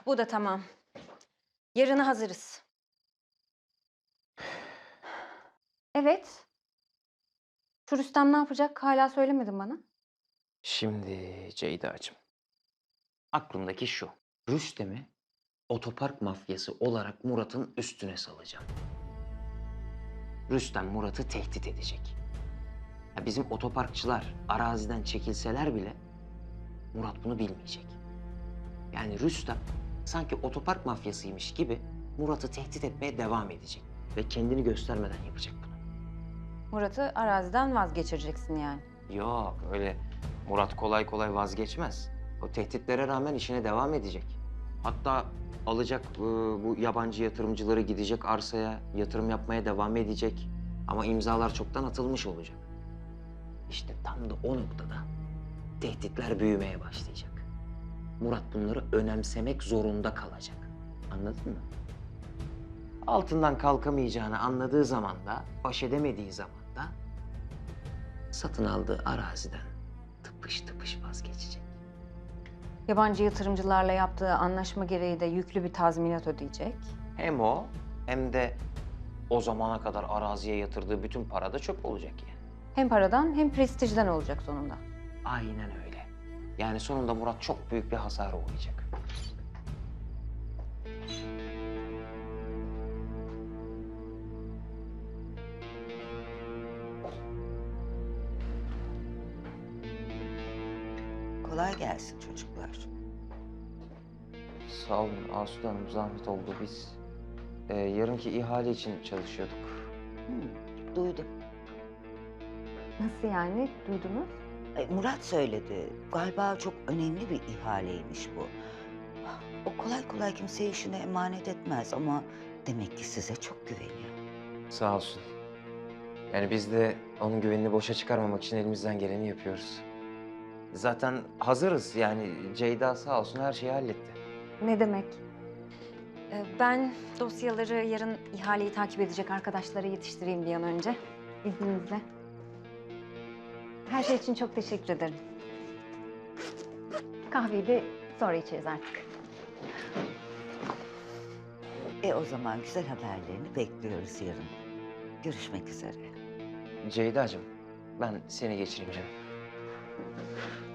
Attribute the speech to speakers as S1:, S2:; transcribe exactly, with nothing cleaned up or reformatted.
S1: Bu da tamam. Yarına hazırız. Evet. Şu Rüstem ne yapacak? Hala söylemedin bana.
S2: Şimdi Ceyda'cığım, aklımdaki şu. Rüstem'i otopark mafyası olarak Murat'ın üstüne salacağım. Rüstem Murat'ı tehdit edecek. Ya bizim otoparkçılar araziden çekilseler bile Murat bunu bilmeyecek. Yani Rüstem sanki otopark mafyasıymış gibi Murat'ı tehdit etmeye devam edecek. Ve kendini göstermeden yapacak bunu.
S1: Murat'ı araziden vazgeçireceksin yani.
S2: Yok öyle Murat kolay kolay vazgeçmez. O tehditlere rağmen işine devam edecek. Hatta alacak e, bu yabancı yatırımcıları gidecek arsaya yatırım yapmaya devam edecek. Ama imzalar çoktan atılmış olacak. İşte tam da o noktada tehditler büyümeye başlayacak. Murat bunları önemsemek zorunda kalacak. Anladın mı? Altından kalkamayacağını anladığı zaman da, baş edemediği zaman da satın aldığı araziden tıpış tıpış vazgeçecek.
S1: Yabancı yatırımcılarla yaptığı anlaşma gereği de yüklü bir tazminat ödeyecek.
S2: Hem o hem de o zamana kadar araziye yatırdığı bütün para da çöp olacak yani.
S1: Hem paradan hem prestijden olacak sonunda.
S2: Aynen öyle. Yani sonunda Murat çok büyük bir hasara uğrayacak.
S3: Kolay gelsin çocuklar.
S2: Sağ olun Asude Hanım, zahmet oldu. Biz e, yarınki ihale için çalışıyorduk.
S3: Hmm, duydum.
S1: Nasıl yani? Duydunuz?
S3: Ay, Murat söyledi. Galiba çok önemli bir ihaleymiş bu. O kolay kolay kimseye işine emanet etmez ama demek ki size çok güveniyor.
S2: Sağ olsun. Yani biz de onun güvenini boşa çıkarmamak için elimizden geleni yapıyoruz. Zaten hazırız yani Ceyda sağ olsun her şeyi halletti.
S1: Ne demek? Ee, Ben dosyaları yarın ihaleyi takip edecek arkadaşlara yetiştireyim bir an önce. İzninizle. Her şey için çok teşekkür ederim. Kahveyi de sonra içeriz artık.
S3: E o zaman güzel haberlerini bekliyoruz yarın. Görüşmek üzere.
S2: Ceyda'cığım ben seni geçireyim canım.